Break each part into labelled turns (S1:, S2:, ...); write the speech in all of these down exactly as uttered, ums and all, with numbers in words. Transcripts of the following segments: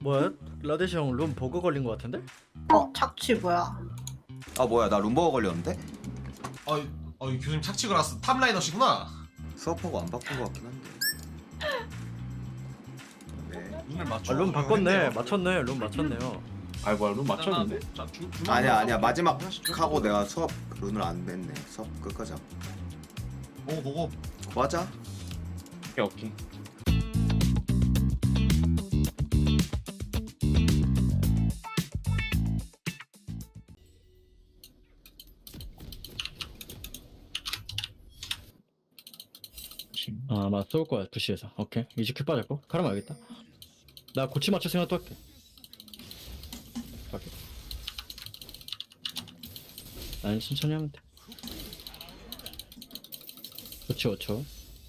S1: 뭐야? 라데시 형 룸 버그 걸린 거 같은데?
S2: 어, 착취 뭐야?
S3: 아 뭐야 나 룸버거 걸렸는데?
S4: 어, 어 교수님 착취 걸었어. 탑라이너시구나.
S3: 수업하고 안 바꾼 거 같긴 한데. 네.
S4: 눈을 맞춰.
S1: 아, 룸 바꿨네. 맞췄네. 룸 맞췄네요.
S5: 아이 뭐야 룸 맞췄는데?
S4: 자, 주,
S3: 아니야 아니야 마지막 하고 내가 수업 룬을 안 냈네. 수업 끝까지 하고.
S4: 보고 보고.
S3: 맞아.
S5: 오케이 오케이.
S1: 아, 맞 쏠 거야. 부시에서. 오케이. 이제 큐 빠졌고. 카르마 알겠다. 나 고치 맞춰 생각 또 할게. 갈게. 아니, 천천히 하면 돼. 그렇지, 그렇죠.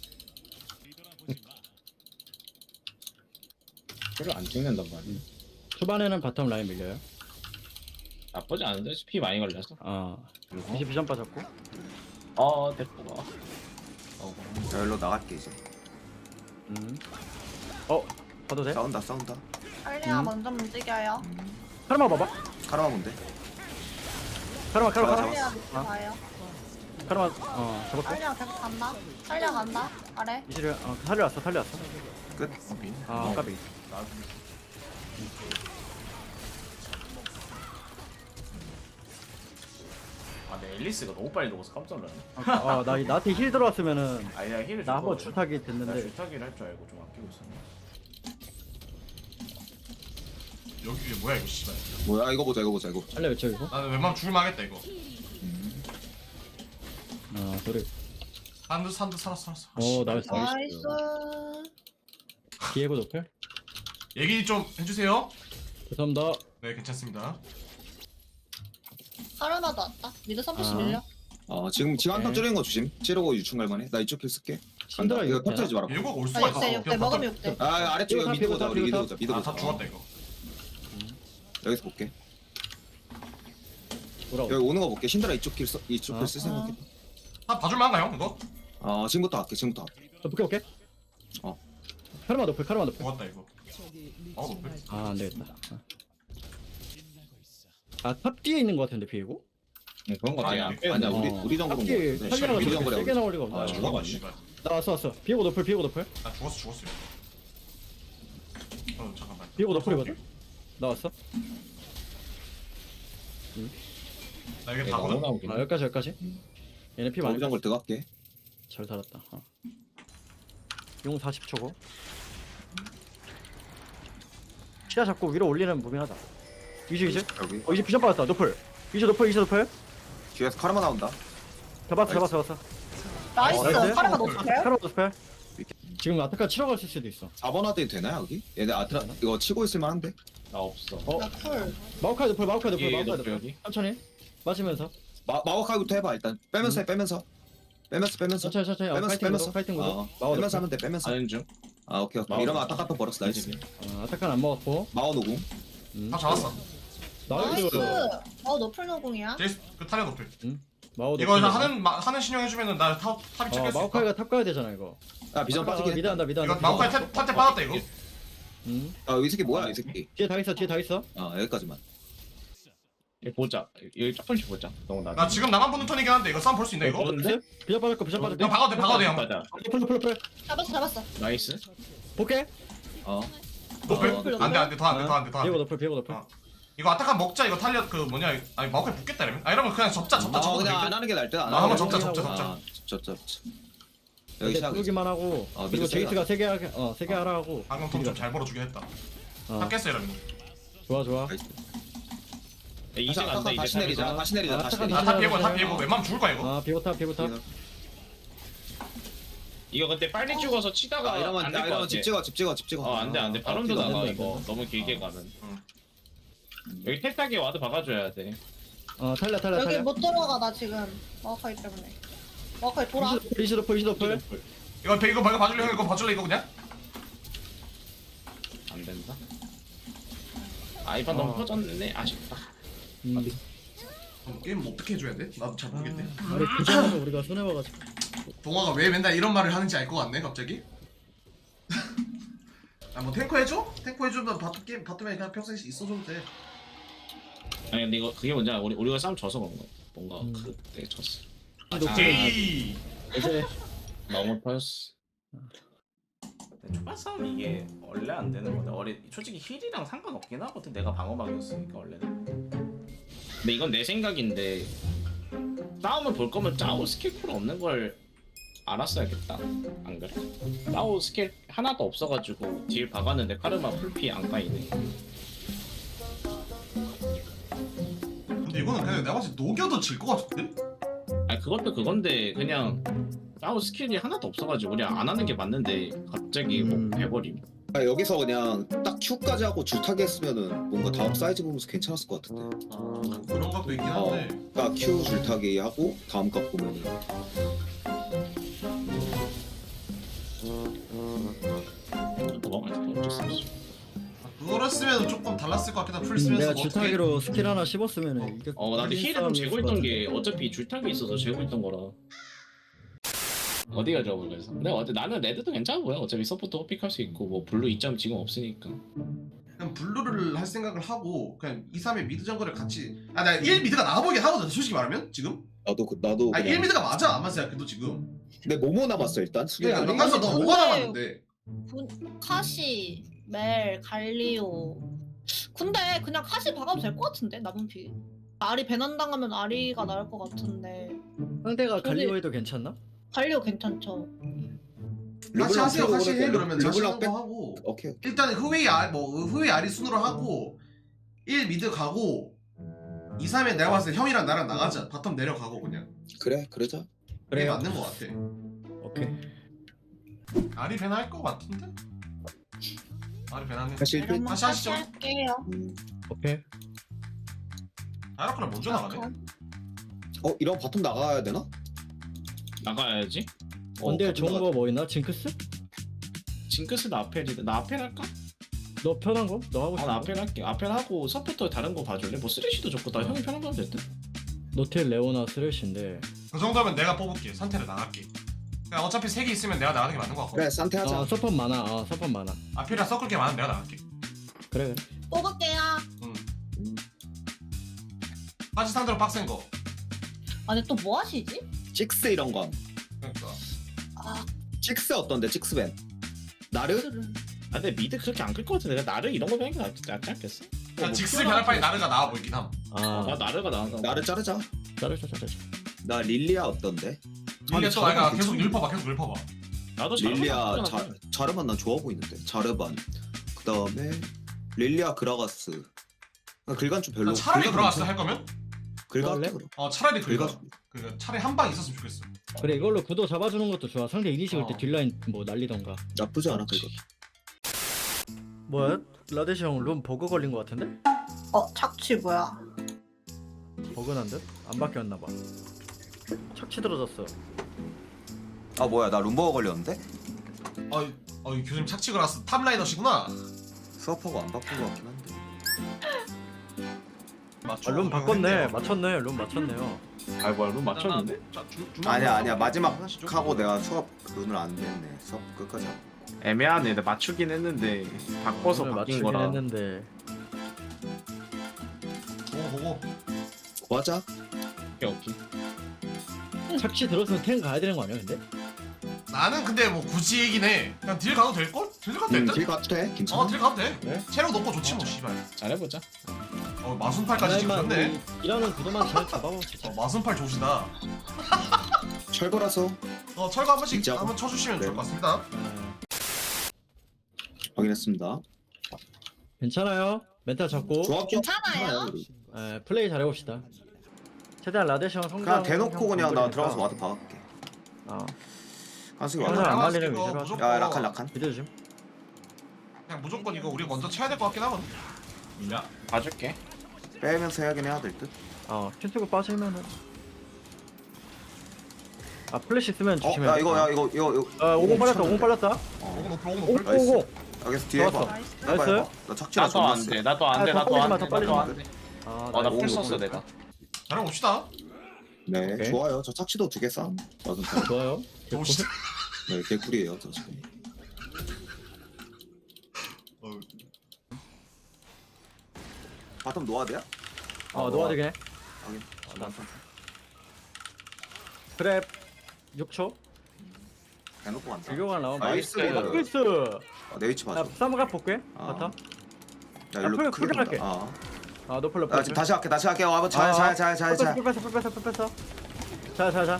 S5: 그를 안 찍는단 말이야.
S1: 초반에는 바텀 라인 밀려요.
S5: 나쁘지 않은데 피 많이 걸려서.
S1: 아,
S5: 그리고
S1: 이제 비전 빠졌고.
S5: 어 됐구나. 어
S3: 자 일로 나갈게 이제.
S1: 음. 어, 봐도 돼?
S3: 싸운다 싸운다.
S2: 할리아
S1: 음.
S2: 먼저 움직여요.
S1: 카르마 봐봐.
S3: 카르마 뭔데?
S1: 카르마, 카르마,
S3: 잡아,
S1: 카르마.
S2: 할리아 밑에 봐요.
S1: 카르마, 어, 잡았고.
S2: 할리아 계속 간다. 할리아 간다. 아래.
S1: 이지를, 어, 살려왔어, 살려왔어.
S3: 끝.
S1: 아, 까비.
S5: 아, 내 앨리스가 너무 빨리 녹아서 깜짝 놀랐네.
S1: 아, 나, 나한테 힐 들어왔으면은
S5: 아니 나 힐을
S1: 나 한번
S5: 줬거든.
S1: 출타기
S5: 나
S1: 됐는데.
S5: 줄타기를 할 줄 알고 좀 아끼고 있었네.
S4: 여기 이게 뭐야 이거 씨발.
S3: 뭐야 이거 보자 이거 보자 이거.
S1: 살려 외쳐 이거.
S4: 나는 웬만하면 죽을만 하겠다 이거.
S1: 아, 소리.
S4: 산드 산드 살았어 살았어. 아,
S1: 오,
S4: 씨발.
S1: 나이스.
S2: 나이스.
S1: 디에고 노플.
S4: 얘기 좀 해주세요.
S1: 죄송합니다.
S4: 네 괜찮습니다.
S2: 카르마도 왔다. 미드 선푸시
S1: 아.
S2: 밀려.
S3: 어 지금 지금 한턴
S1: 오케이.
S3: 줄이는 거 조심. 찌르고 유충 갈만해. 나 이쪽 길 쓸게.
S1: 신드라
S3: 간다. 이거
S1: 이거
S3: 터트리지 마라.
S4: 일곱 올
S2: 아,
S4: 수가 있어.
S2: 육대, 육대. 먹으면 육대.
S3: 아 아래쪽에
S1: 비고탑,
S3: 미드 보자. 우리 미드
S1: 비고탑,
S3: 보자. 미드 보자.
S4: 아다 죽었다 이거.
S3: 여기서 볼게.
S1: 돌아오.
S3: 여기 오는 거 볼게. 신드라 이쪽 길 써, 이쪽
S1: 아.
S3: 길쓸 생각해.
S4: 다 봐줄만한가요 이거?
S3: 어 지금부터 할게. 지금부터. 할게.
S1: 저 볼게 볼게.
S3: 어.
S1: 카르마 노플, 카르마 노플.
S4: 죽었다 이거. 어 높을.
S1: 아, 안 되겠다. 아, 탑 뒤에 있는 거 같은데 비에고?
S5: 응, 그런 거 같아.
S3: 아니야 아니야 우리
S1: 어.
S3: 우리
S1: 탑
S3: 정글은
S1: 뒤에
S3: 뭐.
S1: 살려가
S3: 우리
S1: 저렇게
S3: 정글이야.
S1: 세게 나올 리가 없나?
S5: 아,
S1: 아,
S5: 저거
S4: 죽었다
S5: 맞네.
S4: 씨발.
S1: 나 왔어 왔어. 비에고 노플, 비에고 노플.
S4: 나 죽었어 죽었어. 어 잠깐만.
S1: 비에고 노플이거든. 나 왔어.
S4: 나 이게
S5: 내가 너무
S4: 다거든.
S5: 나오긴.
S1: 아, 여기까지 여기까지. 얘네 피 많이.
S3: 우리 정글 들어갈게.
S1: 잘 살았다. 어. 용 사십 초고. 시야 잡고 위로 올리는 무빙하자. 이즈 이즈.
S3: 여기
S1: 어, 이제 비전 받았다. 노플. 이즈 노플, 이즈 노플.
S3: 뒤에서 카르마 나온다.
S1: 잡았어, 잡았어, 잡았어.
S2: 나이스.
S1: 나이스.
S2: 카르마 노플.
S1: 카르마 노플. 지금 아타카 치러 갔을 수도 있어.
S3: 사 번 하드 되나 여기? 얘네 아트라 이거 치고 있을 만한데.
S5: 나 없어.
S1: 어,
S2: 나 쿨.
S1: 마우카이 노플, 마우카이 노플,
S5: 예,
S1: 마우카이
S5: 노플
S1: 노플.
S5: 여기.
S1: 천천히. 맞으면서.
S3: 마 마오카이부터 해봐 일단. 빼면서 해 빼면서. 빼면서 빼면서.
S1: 천천히, 천천히. 어,
S3: 빼면서
S1: 파이팅
S3: 빼면서.
S1: 구도, 파이팅 구도.
S3: 어,
S1: 마우
S3: 빼면서
S1: 노플.
S3: 하면 돼 빼면서.
S5: 하는 중.
S3: 아 오케이 오케이.
S5: 마오.
S3: 이러면 아타카 또 벌었어 나이스.
S1: 어, 아타카는 안 먹었고.
S3: 마오 노궁.
S1: 음.
S4: 다 잡았어.
S2: 나이스.
S1: 나이스.
S2: 어, 노플 노공이야.
S4: 제이스 그 타려 높을.
S1: 마우
S4: 이거
S1: 노플.
S4: 하는 마, 하는 신용 해주면은 나 탑, 탑이
S1: 어,
S4: 찍힐 수 있다.
S1: 마우카이가 탑 가야 되잖아, 이거.
S3: 아 비전
S1: 아타카,
S3: 빠지긴
S1: 미드
S3: 했다.
S1: 한다, 미드
S4: 이거
S1: 한다.
S4: 마우카이 탑, 탑때 빠졌다 이거.
S1: 음.
S3: 아이 새끼 뭐야 이 새끼.
S1: 뒤에 다 있어, 뒤에 다 있어.
S3: 아 여기까지만.
S5: 얘 보자. 여기 조금씩 보자. 너무 나.
S4: 나 지금 나만 보는 턴이긴 한데 이거 싸움 볼 수 있나 이거?
S5: 보는데?
S1: 비전 빠졌고, 비전 빠졌고.
S4: 이거 박아도 돼 박아도 돼 형.
S5: 맞아.
S1: 노플, 노플, 노플.
S2: 잡았어, 잡았어.
S5: 나이스.
S1: 볼게.
S3: 어.
S4: 높을?
S3: 어,
S4: 안돼 안돼 더 안돼 더 안돼 더
S1: 비에고
S4: 안돼.
S1: 노플, 비에고 노플.
S4: 어. 이거 아타카 먹자 이거 탈려 그 뭐냐 아니 마우카이 붙겠다 이러면? 아 이러면 그냥 접자 접자
S3: 아
S4: 접자.
S3: 그냥 안 하는 게 나을 듯. 안
S4: 아,
S3: 하는
S4: 한번
S3: 게.
S4: 접자, 접자,
S3: 아, 접자 접자. 여기
S1: 여기
S3: 시작.
S1: 두르기만 하고.
S3: 어,
S1: 그리고
S3: 미드
S1: 제이스가
S3: 세게
S1: 세개 하게, 어, 세개 하라 하고.
S4: 방금 턴좀잘 벌어주긴 했다.
S1: 어,
S4: 탑 깼어 이러면.
S1: 좋아, 좋아.
S3: 나이스.
S5: 야, 이제
S3: 다시
S5: 간다
S3: 아타카
S5: 이제.
S3: 다시 내리자.
S5: 간다.
S3: 다시 내리자.
S1: 아,
S3: 다시
S1: 아타카
S3: 내리자.
S4: 아탑
S1: 다시
S4: 비고 탑
S1: 내리자.
S4: 비고 웬만하면 죽을 거야 이거.
S1: 아, 비고 탑, 비고 탑.
S5: 이거 근데 빨리 죽어서 치다가
S3: 아 이러면
S5: 안될
S3: 아
S5: 것
S3: 이러면
S5: 같아.
S3: 집 찍어 집 찍어 집 찍어.
S5: 어 안돼 안돼. 바람도
S3: 피도 안
S5: 나가
S1: 된다,
S5: 이거.
S1: 된다.
S5: 너무 길게 가면.
S4: 응.
S5: 여기 탈타기 와도 박아줘야 돼.
S1: 어, 탈려, 탈려,
S2: 여기
S1: 탈려.
S2: 못 들어가, 나 지금. 마우카이 때문에. 마우카이 돌아.
S1: 이즈 노플, 이즈 노플.
S4: 이거 이거 이거 봐줄래 형 이거 봐줄래 이거 그냥?
S5: 안 된다. 아 이번 너무
S1: 어.
S5: 터졌네. 아쉽다.
S1: 음.
S4: 그럼 게임 뭐 어떻게 해줘야 돼? 나도 잘 모르겠네.
S1: 아니, 그전에도 우리가 손해봐가지고.
S4: 동화가 왜 맨날 이런 말을 하는지 알 것 같네 갑자기. 아 뭐 탱커 해줘? 탱커 해주면 바텀 게임 바텀에 그냥 평생 있어줘도 돼.
S5: 아니 근데 이거 그게 뭔지 알아? 우리 우리가 싸움 져서 그런 거야. 뭔가
S1: 음.
S5: 그때 졌어.
S1: 높은
S4: 제이.
S1: 이제
S5: 너무 터졌어.
S6: 초반 싸움 이게 원래 안 되는 건데 원래 솔직히 힐이랑 상관없긴 하거든. 내가 방어막이었으니까 원래는.
S5: 근데 이건 내 생각인데 싸움을 볼 거면 짜오 스킬 쿨 없는 걸 알았어야겠다. 안 그래? 짜오 스킬 하나도 없어가지고 딜 박았는데 카르마 풀피 안 까이네.
S4: 근데 이거는 그냥 내가 봤을 때 녹여도 질 것 같은데?
S5: 아니 그것도 그건데 그냥 짜오 스킬이 하나도 없어가지고 우리 안 하는 게 맞는데 갑자기
S1: 음.
S5: 뭐 해버림.
S3: 아, 여기서 그냥 딱 Q까지 하고 줄타기 했으면은 뭔가 다음 사이즈 보면서 괜찮았을 것 같은데.
S4: 아, 그런 것도 있긴
S3: 어.
S4: 한데.
S3: 그러니까 Q 줄타기 하고 다음 값 보면은
S5: 뭐 어쩔 수 없어.
S4: 그랬으면 조금 달랐을 것 같긴 한. 풀
S1: 음,
S4: 쓰면서
S1: 내가
S4: 뭐 어떻게.
S1: 줄타기로 스킬 하나 씹었으면 이게
S5: 어 나도 힐은 재고 있던 게 어차피 줄타기 있어서 재고 있던 거라. 어디가 좋아 보여 그래서. 근데 어때 나는 레드도 괜찮아 보여. 어차피 서포터 호픽할 수 있고 뭐 블루 이 점 지금 없으니까.
S4: 그냥 블루를 할 생각을 하고 그냥 이, 삼의 미드 정글을 같이. 아 나 일 미드가 나아 보이긴 하거든 솔직히 말하면 지금.
S3: 나도 그- 나도
S4: 아
S3: 그냥
S4: 일 미드가 맞아 안만 생각해도 지금.
S3: 근데 뭐뭐 남았어 일단 수비
S4: 그러니까
S3: 아니
S4: 넌간서 너 뭐가 남았는데.
S2: 분- 카시, 멜, 갈리오. 근데 그냥 카시 박아도 될 것 같은데 남은 피. 아리 배난 당하면 아리가 나을 것 같은데.
S1: 상대가
S2: 근데-
S1: 갈리오에도 괜찮나?
S2: 갈리오 괜찮죠.
S4: 같이 하세요 같이 해 그러면 자신
S3: 르블랑
S4: 있는
S3: 백
S4: 거 하고.
S3: 오케이 오케이
S4: 일단 후웨이 아, 뭐 후웨이 아리 순으로 하고 일 미드 가고 이, 삼에 내가 봤을 때 형이랑 나랑 나가자. 바텀 내려가고 그냥.
S3: 그래 그러자
S4: 그게
S1: 그래요.
S4: 맞는 거 같아.
S1: 오케이.
S4: 아리 배나 할거 같은데? 아리 배나네.
S3: 사실 그-
S2: 그러면
S4: 다시 하시죠.
S2: 카시 할게요.
S3: 음.
S1: 오케이.
S4: 아이라크랑 먼저 나가네.
S3: 어 이런 바텀 나가야 되나?
S5: 나가야지.
S3: 어,
S1: 언제
S3: 바텀
S1: 좋은
S3: 나가-
S1: 거 뭐 있나? 징크스?
S5: 징크스 나 아펠이다. 나 아펠 할까?
S1: 너 편한 거? 너 하고
S5: 아,
S1: 싶은
S5: 나
S1: 거?
S5: 아펠 할게. 아펠 하고 서포터 다른 거 봐줄래? 뭐 쓰레쉬도 좋고 다 형이 편한 거 하면 됐대.
S1: 노텔 레오나 스레쉬인데.
S4: 그 정도면 내가 뽑을게. 선택을 나갈게. 그냥 어차피 세 개 있으면 내가 나가는 게 맞는 거 같고.
S3: 그래 산테 하자
S1: 아 서폿 많아. 아 서폿 많아.
S4: 아필이랑 섞을 게 많으면 내가 나갈게.
S1: 그래 그래.
S2: 뽑을게요.
S4: 응.
S3: 음.
S4: 빠지 상대로 빡센 거.
S2: 아니 또 뭐 하시지?
S3: 찍스 이런 거
S4: 그러니까.
S2: 아,
S3: 찍스 어떤데 찍스벤 나르?
S2: 그들은.
S5: 아 근데 미드 그렇게 안 끌 것 같은데 내가 나를 이런 거 배는 게 낫- 낫지 않겠어?
S4: 그냥 직스 변할 바에 나르가 나와 보이긴 함.
S1: 아
S5: 나 나르가 나은가
S3: 나르 자르자
S1: 잘했어 잘했어.
S3: 나 릴리아 어떤데?
S4: 이게 또
S5: 자르반
S4: 내가 계속
S3: 괜찮네.
S4: 율퍼봐 계속 율퍼봐.
S5: 나도 잘
S3: 릴리아
S5: 나쁘지
S3: 자,
S5: 않아.
S3: 자르반 난 좋아 보이는데 자르반 그 다음에 릴리아 그라가스 아, 글간 좀 별로
S4: 나 차라리
S3: 글간
S4: 들어갔어
S3: 괜찮아.
S4: 할 거면?
S3: 글간
S1: 원래?
S3: 그럼
S4: 어 차라리 긁어.
S3: 글간
S4: 그 차라리 한 방 있었으면 좋겠어.
S1: 그래 이걸로 구도 잡아주는 것도 좋아. 상대 이니시 올 때
S4: 어.
S1: 딜라인 뭐 날리던가.
S3: 나쁘지 않아 글간
S1: 뭐야? 라데시 형룸 버그 걸린 거 같은데?
S2: 어 착취 뭐야?
S1: 버그난 듯? 안 바뀌었나 봐. 착취 들어졌어.
S3: 아 뭐야 나 룸버거 걸렸는데?
S4: 어이 어이 교수님 착취 걸었어. 탑라이너시구나.
S3: 서퍼가 안 바꾼 거 같긴 한데
S4: 맞죠?
S1: 아, 룸 바꿨네. 맞췄네. 룸 맞췄네요.
S5: 아 뭐야 룸 맞췄는데?
S3: 아니야 아니야 마지막 하고 내가 수업 룬을 안 냈네 수업 끝까지 하고.
S5: 애매하네. 나 맞추긴 했는데 바꿔서
S1: 오늘
S5: 바뀐
S1: 맞추긴
S5: 거라.
S1: 했는데.
S4: 보고 보고.
S3: 고하자
S5: 오케이 오케이.
S1: 착취 들었으면 탱 가야 되는 거 아니야 근데?
S4: 나는 근데 뭐 굳이 얘긴 해. 그냥 딜 가도 될 걸? 딜 가도
S3: 음,
S4: 될
S3: 길
S4: 듯?
S3: 가도 돼 괜찮아
S4: 어 딜 가도 돼.
S1: 그래?
S4: 체력 높고 좋지 뭐 씨발.
S5: 잘해보자.
S4: 어 마순팔까지 찍혔네.
S1: 이라는 구도만 잘 잡아봅시다.
S4: 어 마순팔 좋으시다.
S3: 철거라서
S4: 어 철거 한 번씩
S3: 진짜?
S4: 한번 쳐주시면
S3: 네.
S4: 좋을 것 같습니다.
S1: 아,
S3: 확인했습니다
S1: 괜찮아요. 멘탈 잡고
S3: 조합 좀
S2: 괜찮아요?
S3: 우리.
S1: 에, 플레이 잘해봅시다. 최대한 라데시 형 성장.
S3: 그냥 대놓고
S1: 형
S3: 그냥 나
S1: 건드리니까.
S3: 들어가서 와드 박을게
S1: 어.
S3: 한승이
S1: 형은
S3: 와드
S1: 안
S4: 나갔을
S1: 말리는
S4: 거
S1: 위주로 하죠.
S4: 무조건
S3: 야 라칸 라칸
S1: 비대 좀.
S4: 그냥 무조건 이거 우리 먼저 쳐야 될 것 같긴 하거든.
S5: 야 봐줄게.
S3: 빼면서 해야긴 해야 될듯
S1: 어, 킨트고 빠지면은. 아 플래시 쓰면
S3: 어?
S1: 조심해.
S3: 야 이거 야 이거 이거 이거
S1: 아 오공 빨렸다.
S3: 미쳤는데.
S1: 오공 빨렸다.
S4: 오고 높을 오고
S1: 오공
S4: 높을.
S3: 나이스.
S1: 오공.
S3: 여기서 뒤에 해봐
S1: 좋았어.
S2: 나이스.
S3: 해봐
S1: 나이스.
S3: 해봐 나 착취라
S5: 나도
S3: 존나
S5: 안
S3: 세
S5: 돼. 나도
S1: 아,
S5: 안 돼.
S1: 더
S5: 나도
S1: 빨리지
S5: 안
S1: 마,
S5: 돼.
S1: 더 빨리지
S5: 나도
S1: 마.
S5: 안 돼.
S1: 아,
S5: 어나
S1: 나
S3: 오공
S5: 풀
S3: 오공
S5: 썼어
S3: 볼까?
S5: 내가.
S4: 잘해봅시다.
S3: 네
S1: 오케이.
S3: 좋아요 저 착취도 두 개 싸움 맞은 편
S1: 좋아요.
S4: 좋으시다.
S3: 네 개꿀이에요 저 지금 바텀 노아드야?
S1: 어 놓아주긴 해.
S3: 확인.
S1: 난- 그래 육 초.
S3: 대놓고 간다.
S1: 비교가 나오면
S3: 나이스.
S1: 나이스.
S3: 어, 내 위치
S1: 나
S3: 봐줘.
S1: 쌈가 볼게.
S3: 아.
S1: 바텀.
S3: 나
S1: 아,
S3: 일로
S1: 풀-
S3: 크게
S1: 풀갈게.
S3: 본다. 아.
S1: 아 노플 노플.
S3: 나 지금 다시 할게. 다시 할게. 와봐. 잘, 잘, 잘, 잘, 잘.
S1: 풀 뺐어 풀 뺐어 풀 뺐어. 자자자.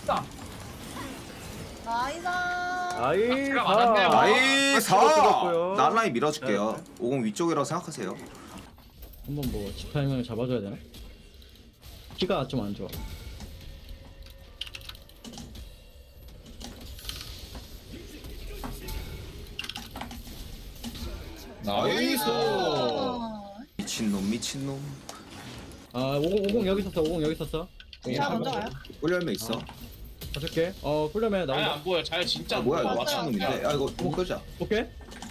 S2: 나이다.
S1: 아이
S6: 제가
S1: 사.
S6: 맞았네요.
S3: 나이스.
S1: 찍었고요.
S3: 난 라인 밀어줄게요.
S1: 네.
S3: 오공 위쪽이라고 생각하세요.
S1: 한번 뭐 집타이밍을 잡아줘야 되나? 키가 좀 안 좋아.
S5: 나이스.
S3: 미친놈, 미친놈.
S1: 아 오공 오공 여기 있었어. 오공 여기 있었어.
S2: 제가 먼저 가요?
S3: 꿀열매 있어.
S1: 가줄게. 어 꿀려면
S5: 잘
S1: 나온다.
S5: 안 보여. 잘 진짜
S3: 아,
S5: 안
S3: 뭐야,
S5: 보여.
S3: 이거.
S2: 맞아요.
S3: 미친놈인데. 야, 이거 공 끄자.
S1: 오케이.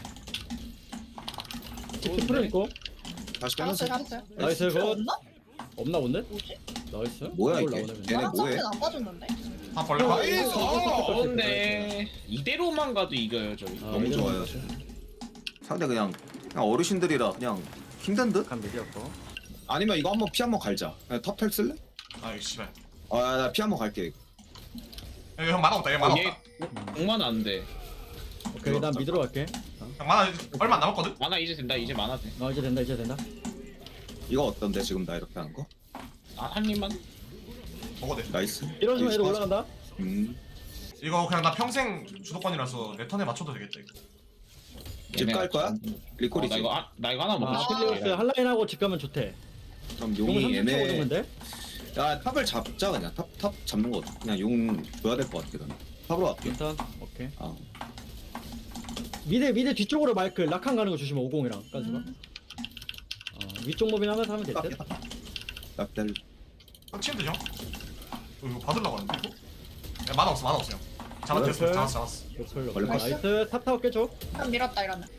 S1: 직접 풀어 있고.
S3: 다시
S2: 잡았어요,
S3: 빼면서.
S2: 잡았어요.
S1: 나이스
S2: 필요
S1: 굿.
S2: 없나?
S1: 없나 본데?
S2: 뭐지?
S1: 나이스.
S3: 뭐야,
S1: 이걸
S3: 이게?
S1: 나오네, 그냥.
S3: 얘네
S2: 나랑
S3: 뭐해?
S2: 상태는 안 빠졌는데?
S4: 아 벌레
S5: 나이스.
S1: 어,
S5: 어운데 이대로만 가도 이겨요 저희.
S1: 아,
S3: 너무
S1: 이대로
S3: 좋아요.
S1: 가자.
S3: 상대 그냥, 그냥 어르신들이라 그냥 힘든 듯?
S1: 간 미디였고.
S3: 아니면 이거 한번 피 한번 갈자. 그냥 탑텔 쓸래?
S4: 아 이거 씨발
S3: 아, 나 피 한번 갈게. 이거.
S4: 여기 형 만화 없다 얘 만화
S5: 얘
S4: 없다
S5: 공만 안 돼.
S1: 오케이 난 미드로 갈게.
S4: 형 만화 얼마 안 남았거든?
S5: 만화 이제 된다. 이제 만화 돼.
S1: 어 이제 된다 이제 된다.
S3: 이거 어떤데, 지금 나 이렇게 하는 거?
S5: 아, 한 입만.
S4: 먹어도 돼
S3: 나이스.
S1: 이러시면 애들 올라간다.
S3: 음.
S4: 이거 그냥 나 평생 주도권이라서 내 턴에 맞춰도 되겠다 이거
S3: 집 갈 거야?
S5: 어,
S3: 리콜이지.
S5: 나 이거 아, 나 이거 하나 먹고
S1: 아
S5: 싶어.
S1: 필리오스 한라인하고 집 가면 좋대.
S3: 그럼
S1: 용은
S3: 용이
S1: 삼십 초
S3: 애매.
S1: 오는데?
S3: 야, 탑을 잡자 그냥. 탑, 탑 잡는 거 어때? 그냥 용 줘야 될 것 같아. 나는. 탑으로 갈게.
S1: 일단 오케이.
S3: 아.
S1: 미드 미드 뒤쪽으로 마이크 락한 가는 거 조심해. 오공이랑 까지가.
S2: 음.
S1: 어 위쪽 모빙 하면서 하면 될 듯.
S3: 납달.
S4: 형 치면 되죠? 어, 이거 받으려고 하는데 이거? 야 만화 없어 만화 없어 형 잡았어
S1: 나이스.
S4: 잡았어 잡았어
S1: 노플
S3: 걸릴 것
S1: 나이스 탑 타워 깨줘.
S2: 한 밀었다 이러면.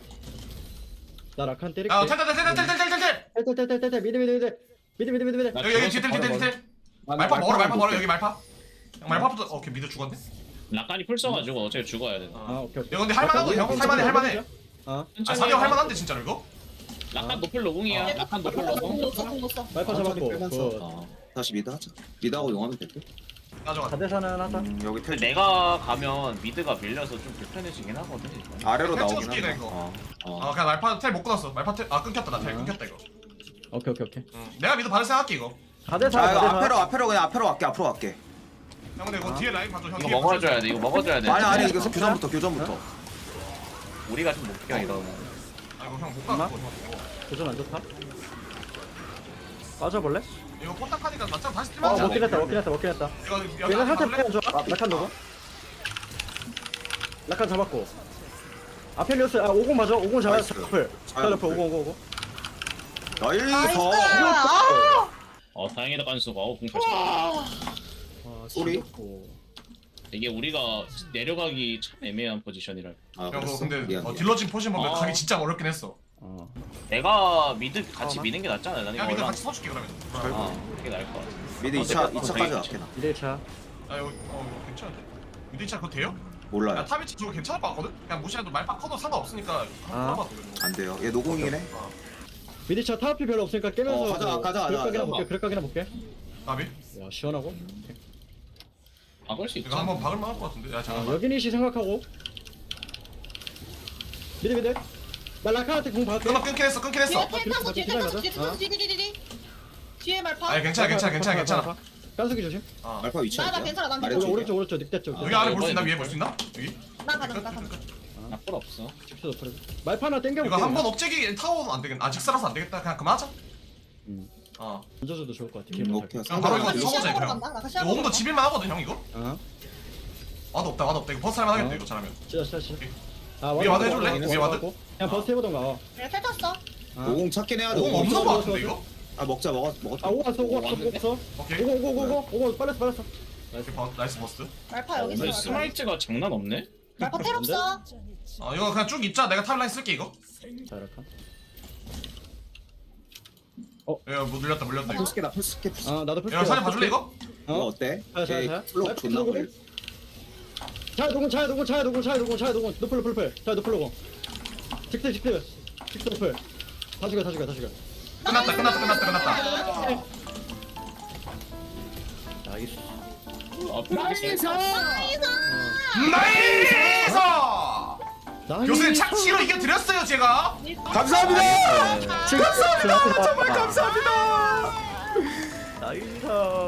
S1: 나 락한 때릴게.
S4: 야 탈탈탈탈탈탈탈탈
S1: 텔텔텔텔텔 미드 미드 미드 미드 미드 미드 미드.
S5: 나
S4: 여기 여기
S5: 죽어서
S4: 뒤텔
S5: 바로
S4: 뒤텔
S5: 먹어.
S4: 뒤텔 말파 먹어라 말파 먹어라 여기 말파 형 말파부터 어, 오케이 미드 죽었네
S5: 라칸이 풀 써가지고 어차피 죽어야 돼.
S1: 아 오케이 오케이.
S4: 야 근데 할만하고 형 할만해 할만해
S1: 아
S4: 아 사대 형 할만한데 진짜로 이거?
S5: 라칸 노플 노궁이야.
S2: 아,
S5: 라칸 노플
S2: 공
S5: 노궁.
S2: 넣었어, 공 넣었어.
S1: 마이퍼 잡았고. 그
S3: 어. 다시 미드 하자. 미드하고 용하면 될 듯.
S4: 가져가
S1: 사 대 사는 하자.
S3: 음, 여기 텔
S5: 내가 가면 미드가 밀려서 좀 불편해지긴 하거든. 일단.
S3: 아래로
S4: 텔
S3: 나오긴
S4: 찍어줄게,
S3: 한다.
S4: 이거.
S3: 어. 어.
S4: 아 그냥 말파 텔 못 끊었어 말파 텔아 끊겼다 나 텔
S1: 아.
S4: 끊겼다 이거
S1: 오케이 오케이 오케이.
S4: 응. 내가 미드 받을 생각할게 이거
S1: 사 대 사.
S3: 자, 이거 앞에로 앞에로 그냥 앞에로 갈게. 앞으로 갈게.
S4: 형 근데 이거 뒤에 라인 봐줘 형
S5: 이거
S4: 뒤에
S5: 먹어줘야 돼. 이거 먹어줘야 돼.
S3: 아니 아니 이거 교전부터 교전부터.
S5: 우리가 좀 못 껴 이거.
S4: 아 이거 형못
S1: 엄마?
S4: 가고 이거
S1: 도전 안 좋다. 빠져볼래?
S4: 이거 포탑하니까 맞짱 다시
S1: 어
S4: 뛰면
S1: 먹긴 했다 먹긴 했다 먹긴 했다.
S4: 이거 여기
S1: 얘가 살짝
S4: 가볼래?
S1: 빼면 좋아. 락한 너고. 락한 잡았고. 아펠리오스 아 오공 맞아. 오공 잡아.
S3: 나이스.
S1: 잡을.
S3: 잘
S1: 잡을 오공 오공 오공.
S3: 나이스.
S2: 아!
S5: 어 다행이다 깐수가. 어 궁잘 쳤다.
S2: 와.
S1: 아
S3: 소리?
S1: 지겹고.
S5: 이게 우리가 내려가기 참 애매한 포지션이라.
S3: 아,
S4: 형 그거
S3: 그랬어?
S4: 근데
S3: 미안,
S4: 어,
S3: 미안.
S4: 딜러진 포지션 보면
S5: 아.
S4: 가기 진짜 어렵긴 했어
S1: 어.
S5: 내가 미드 같이
S1: 어,
S5: 미는 게 낫잖아. 나는
S4: 야
S5: 이거
S4: 미드
S5: 얼마
S4: 같이 서줄게 그러면
S5: 어 그게 나을 것 같아.
S3: 미드 이 차 이 차까지 갈게 나.
S1: 일 차.
S4: 아 이거 어 이거 괜찮은데? 미드 차 그거 돼요?
S3: 몰라요.
S4: 야 탑이 저거 괜찮을 것 같거든? 그냥 무시해도 말파 커도 상관없으니까 한번
S1: 아.
S4: 봐봐 그거.
S3: 안 돼요. 얘 노공이긴 해.
S4: 어.
S1: 미드차 타워피 별로 없으니까 깨면서
S3: 어, 가자,
S1: 뭐
S3: 가자, 가자.
S1: 그릇각이나
S5: 가자.
S1: 볼게 그릇각이나 볼게.
S4: 나비?
S1: 야 시원하고. 오케이.
S5: 박을 수
S4: 이거
S5: 있잖아.
S4: 한번 박을 만할 것 같은데? 야
S1: 아,
S4: 잠깐만
S1: 여기니시 생각하고. 미드 미드. 나 라카한테 공 받을게.
S4: 끊어 끊긴 했어 끊긴 했어
S2: 뒤에 텔 타고 뒤에 텔
S1: 기다려,
S2: 타고 뒤에 텔 타고
S1: 어?
S2: 뒤에 뒤에 뒤에 뒤에 말파.
S4: 아니 괜찮아 괜찮아 괜찮아 괜찮아
S1: 깐수기 조심.
S4: 어.
S3: 알파 위치
S2: 나, 나
S3: 어디야?
S2: 괜찮아, 난
S3: 아래쪽이야?
S1: 오른쪽 오른쪽 늑대 쪽.
S4: 여기 안에 볼 수 있나? 위에 볼 수 있나? 여기?
S2: 나 가능 나 가능.
S5: 나쁠 없어.
S1: 직수 높여. 말파나 땡겨볼게.
S4: 이거 한 번 업체기 타워는 안 되겠다 아 직사라서 안 되겠다 그냥 그만하자
S1: 음.
S4: 어
S1: 던져줘도 좋을 것 같아.
S3: 음,
S1: 길
S3: 오케이.
S4: 형 바로 이거
S2: 나
S4: 서보자
S2: 시합
S4: 이거
S2: 보러
S4: 형
S2: 간다. 나
S4: 이거
S2: 시합
S4: 오금도
S2: 보러
S4: 집일만 하거든 형 이거?
S1: 어.
S4: 와도 없다 와도 없다 이거 버스 할만 하겠다
S1: 어.
S4: 이거 잘하면
S1: 진짜 진짜 진짜.
S4: 오케이.
S1: 아
S4: 위에 와드 해줄래?
S1: 와드,
S4: 위에
S1: 와드
S4: 와드?
S1: 하고. 그냥 버스 해보던가. 어.
S2: 그래 텔 탔어.
S1: 아.
S3: 오공 찾긴 해야 돼.
S4: 오금
S3: 오공
S4: 없는
S1: 없어,
S4: 거
S1: 없어,
S4: 같은데
S1: 없어.
S4: 이거?
S3: 아 먹자 먹었 먹었.
S1: 아 오고 왔어 오고 왔어 오고
S5: 왔는데?
S1: 왔어.
S4: 오케이
S1: 오고 오고 오고 오고 오고 빨렸어 빨렸어.
S4: 오케이, 버- 나이스 버스
S2: 말파 여기
S5: 근데
S2: 있어.
S5: 스마이트가 장난 없네.
S2: 말파 텔 없어.
S4: 어 이거 그냥 쭉 입자 내가 탑라인 쓸게 이거
S1: 자 이렇게.
S4: 야, 뭐 늘렸다, 물렸다 이거.
S3: 풀스케 나 풀스케 풀스케.
S1: 아 나도
S4: 야, 사진 봐줄래 이거?
S3: 이거
S1: 어.
S3: 어때?
S1: 자, 자,
S3: 얘
S1: 자.
S3: 플로우
S1: 자,
S3: 존나
S1: 플로우.
S3: 걸려.
S1: 자 노공 자 노공 자 노공 자 노공 자 노공 노플 노플 노플. 자 노플 노공. 직스 직스 직스 노플. 다 죽여 다 죽여 다 죽여.
S4: 끝났다 끝났다 끝났다 끝났다.
S1: 나이스.
S2: 나이스.
S4: 나이스!
S1: 나이스.
S4: 교수님 착시로 이겨드렸어요 제가.
S3: 감사합니다.
S1: 감사합니다.
S4: 정말 감사합니다.
S1: 나이스.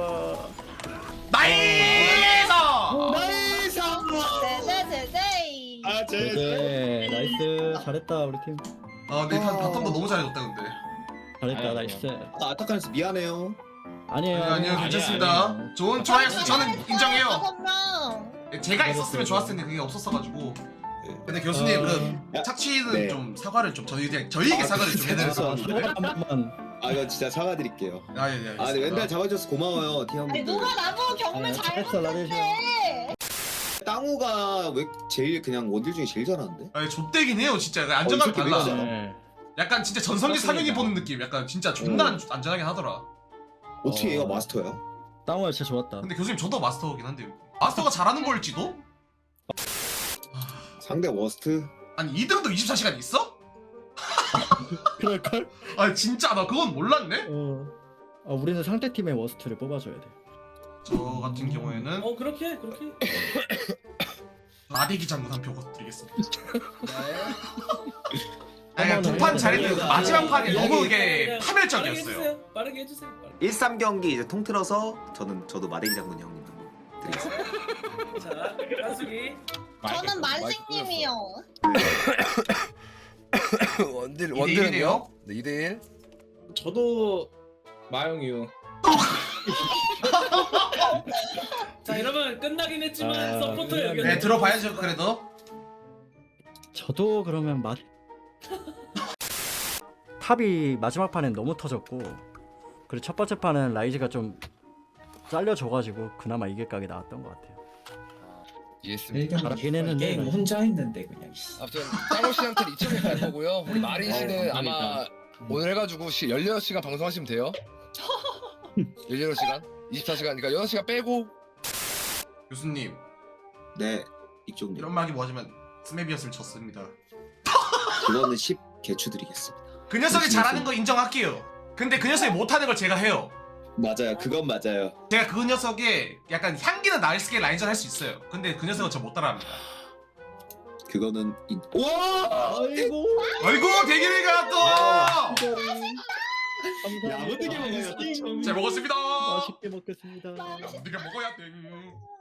S4: 나이스!
S3: 나이스.
S2: 제제제제.
S3: 아, 제.
S1: 네, 나이스. 잘했다 우리 팀.
S4: 아 근데 바- 바텀도 너무 잘해줬다 근데.
S1: 잘했다
S5: 아이고.
S1: 나이스.
S3: 아, 아타칸에서 미안해요.
S1: 아니에요.
S4: 아니요 아니요
S5: 아니야,
S4: 괜찮습니다.
S1: 아니야.
S4: 좋은 트라이였어. 저는 인정해요.
S2: 다섯 명.
S4: 제가 있었으면 좋았을 텐데 그게 없었어가지고. 근데 교수님
S1: 어.
S4: 그 착취는
S3: 네.
S4: 좀 사과를 좀 저희 그냥 저희에게
S3: 아,
S4: 사과를 좀 해드릴
S3: 진짜.
S4: 수 있는데.
S1: 한 번만.
S3: 아, 이거 진짜 사과드릴게요.
S4: 아예 예.
S3: 아, 근데 왼발 잡아줘서 고마워요,
S2: 아니
S3: 티형님들.
S2: 누가 나보고 경매
S1: 네,
S2: 잘
S1: 잘했어,
S2: 못했대.
S3: 땅우가 왜 제일 그냥 원딜 중에 제일 잘하는데?
S4: 아니 좆대긴 해요 진짜. 안정감
S3: 어, 이 새끼
S4: 달라.
S3: 왜
S1: 네.
S4: 약간 진짜 전성기
S5: 그렇습니다.
S4: 사격이 보는 느낌. 약간 진짜 존나 안- 안전하긴 하더라.
S3: 어떻게
S1: 어.
S3: 얘가 마스터야?
S1: 땅월 진짜 좋았다.
S4: 근데 교수님 저도 마스터긴 한데 마스터가 잘하는 걸지도?
S3: 상대 워스트?
S4: 아니 이 등도 이십사 시간 있어?
S1: 그럴걸?
S4: 아 진짜 나 그건 몰랐네.
S1: 어. 아, 우리는 상대 팀의 워스트를 뽑아줘야 돼.
S4: 저 같은 경우에는
S6: 어 그렇게 그렇게.
S4: 마대기 장군 한 표 드리겠습니다.
S1: 네.
S4: 아니 두판 잘했는데 그 마지막 판이
S6: 이야기-
S4: 너무
S6: 빠르게
S4: 이게 파멸적이었어요.
S6: 해주세요. 빠르게 해주세요. 빠르게.
S3: 일삼 경기 이제 통틀어서 저는 저도 마대기 장군 형님 드리겠습니다.
S6: 자 한수기.
S2: 저는 만식님이요.
S7: 원딜
S4: 이 대
S7: 원딜은요?
S4: 일이네요?
S7: 네, 이 대 일.
S5: 저도 마영유.
S6: 자 이러면 끝나긴 했지만
S1: 아,
S6: 서포터
S1: 네,
S6: 의견.
S4: 네 들어봐야죠 그래도.
S1: 저도 그러면 맛 탑이 마지막 판엔 너무 터졌고 그리고 첫 번째 판은 라이즈가 좀 잘려줘가지고 그나마 이길 각이 나왔던 것 같아요.
S7: 이해했습니다.
S1: 잘하긴 했는데
S8: 게임 혼자 했는데 그냥 씨.
S7: 아무튼 땅호 씨한테는 이쪽에 갈 거고요. 우리 마린 씨는
S5: 어,
S7: 아마
S5: 감사합니다.
S7: 오늘 해가지고 열여섯 시간 방송하시면 돼요. 열여섯 시간, 이십사 시간, 그러니까 여섯 시간 빼고.
S4: 교수님
S3: 네, 이쪽님.
S4: 이런 말이 뭐하지만 스맵이었으면 졌습니다.
S3: 그거는 십 개추 드리겠습니다.
S4: 그 녀석이 잘하는 거 인정할게요. 근데 그 녀석이 못하는 걸 제가 해요.
S3: 맞아요, 그건 맞아요.
S4: 제가 그 녀석의 약간 향기는 나일스게 라인전 할 수 있어요. 근데 그 녀석은 저 못 따라합니다.
S3: 그거는 인... 와!
S1: 아이고
S4: 아이고 대기리가 또!
S1: 감사합니다.
S3: 야무지게 먹어요.
S4: 잘 먹었습니다.
S1: 맛있게 먹겠습니다.
S4: 우리가 먹어야 돼.